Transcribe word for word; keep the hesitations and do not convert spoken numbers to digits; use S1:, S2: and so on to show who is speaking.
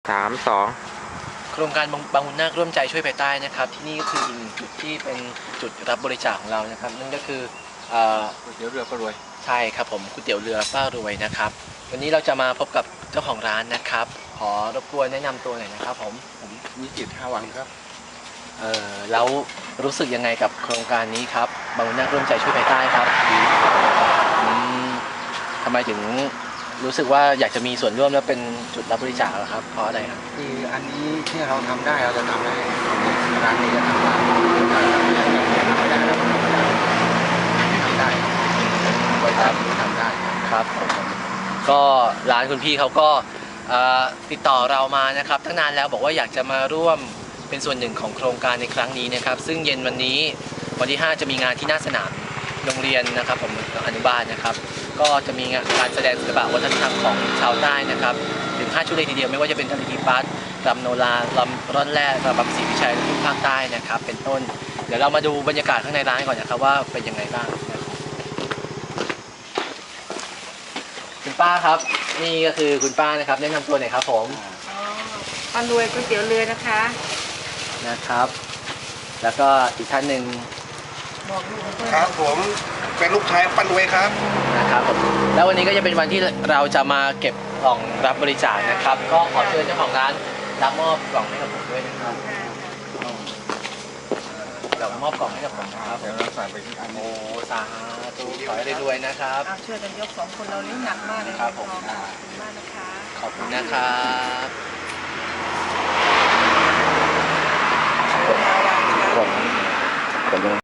S1: สามสอง
S2: โครงการบางบุญนาคร่วมใจช่วยภายใต้นะครับที่นี่ก็คืออีกหนึ่งจุดที่เป็นจุดรับบริจาคของเรานะครับนั่นก็คือก๋วยเตี๋ยวเรือป้ารวยใช่ครับผมก๋วยเตี๋ยวเรือป้ารวยนะครับวันนี้เราจะมาพบกับเจ้าของร้านนะครับขอรบกวนแนะนำตัวหน่อยนะครับผม
S3: ผมวิจิตรห้าวังครับ
S2: เออแล้วรู้สึกยังไงกับโครงการนี้ครับบางบุญนาคร่วมใจช่วยภายใต้ครับอืมทำไมถึงรู้สึกว่าอยากจะมีส่วนร่วมและเป็นจุดรับบริจาคครับเพราะอะไรครับ
S3: คืออันนี้ที่เราทำได้เราจะทำได้ร้านนี้จะทำได้ถ้าเราไม่ได้เราทำไม่ได้ทำได้บริษัททำได้
S2: ครับผมก็ร้านคุณพี่เขาก็ติดต่อเรามานะครับตั้งนานแล้วบอกว่าอยากจะมาร่วมเป็นส่วนหนึ่งของโครงการในครั้งนี้นะครับซึ่งเย็นวันนี้วันที่ห้าจะมีงานที่หน้าสนามโรงเรียนนะครับผมอนุบาลนะครับก็จะมีการแสดงศิลปะวัฒนธรรมของชาวใต้นะครับถึงห้าชุดเลยทีเดียวไม่ว่าจะเป็นทะเลทีปัสรำโนราลำร่อนแร่รำบำศรีวิชัยและภาคใต้นะครับเป็นต้นเดี๋ยวเรามาดูบรรยากาศข้างในร้านก่อนนะครับว่าเป็นยังไงบ้างคุณป้าครับนี่ก็คือคุณป้านะครับแนะนำตัวหน่อยครับผม
S4: ป้ารวยก๋วยเตี๋ยวเรือนะคะ
S2: นะครับ แล้วก็อีกท่านหนึ่ง
S3: ครับผมเป็นลูกชายป้ารวยครับ
S2: นะครับผมแล้ววันนี้ก็จะเป็นวันที่เราจะมาเก็บกล่องรับบริจาคนะครับก็ขอเชิญเจ้าของร้านรับมอบกล่องให้กับผมด้วยนะครับเดี๋ยวมอบกล่องให้กับผมนะครับ
S3: เดี๋ยวเราใส่ไปที่อัน
S2: โอ้สาธุขอให้รวยๆนะครับ
S4: ช่วยกันยกสองคนเราเลี้ยงหนักมากเลย
S2: ครับผม
S4: ขอบคุณมากนะคะ
S2: ขอบคุณนะครับผมผม